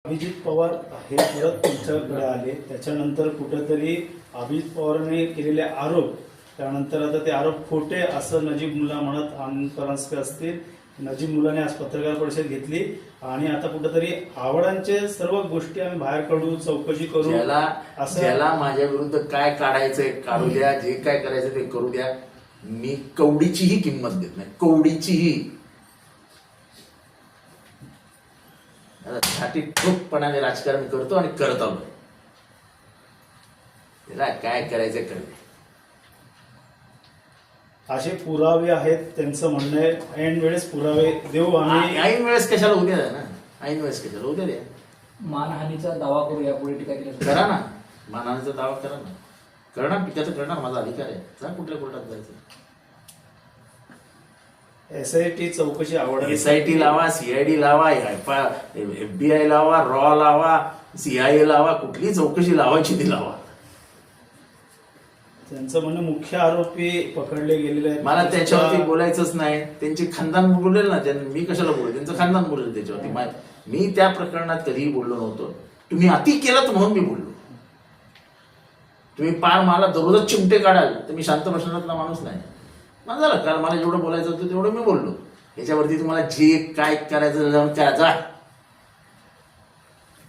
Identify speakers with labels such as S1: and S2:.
S1: अभिजित पवार हे परत तुमच्याकडे आले, त्याच्यानंतर कुठेतरी अभिजित पवारांनी केलेले आरोप, त्यानंतर आता ते आरोप खोटे असं नजीब मुल्ला म्हणत आनंद परांजपे असतील, नजीब मुलाने आज पत्रकार परिषद घेतली आणि आता कुठेतरी आवडांचे सर्व गोष्टी आम्ही बाहेर काढू, चौकशी करू,
S2: ज्याला माझ्या विरुद्ध काय काढायचंय काढू द्या, जे काय करायचं ते करू द्या. मी कवडीचीही किंमत देत नाही, कवडीचीही. साठी ठोकपणाने राजकारण करतो आणि करत आलो. त्याला काय करायचं करते.
S1: असे पुरावे आहेत, त्यांचं म्हणणं आहे ऐन वेळेस पुरावे देऊ आम्ही.
S2: ऐन वेळेस कशाला उद्या द्या ना, ऐन वेळेस कशाला उद्या द्या.
S3: मानहानीचा दावा करू यापुढे टीका केली
S2: करा ना, मानहानीचा दावा करा ना, करणार पित्याचं करणार, माझा अधिकार आहे. जा कुठल्या कोर्टात जायचं.
S1: SIT चौकशी आवड,
S2: SIT लावा, CID लावा, FBI लावा, रॉ लावा, CIA लावा, कुठली चौकशी लावायची ती लावा.
S1: त्यांचं म्हणणं मुख्य आरोपी पकडले गेलेले आहेत.
S2: मला त्याच्यावरती बोलायचंच नाही. त्यांची खानदान बोलेल ना, मी कशाला बोलेल, त्यांचं खानदान बोलेल त्याच्यावरती. मी त्या प्रकरणात कधीही बोललो नव्हतो. तुम्ही अति केलं म्हणून मी बोललो. तुम्ही पार मला दररोजच चिमटे काढाल तर मी शांत बसणारा माणूस नाही. मला झालं, कारण मला जेवढं बोलायचं होतं तेवढं मी बोललो. याच्यावरती तुम्हाला जे काय करायचं जाऊन करा, जा.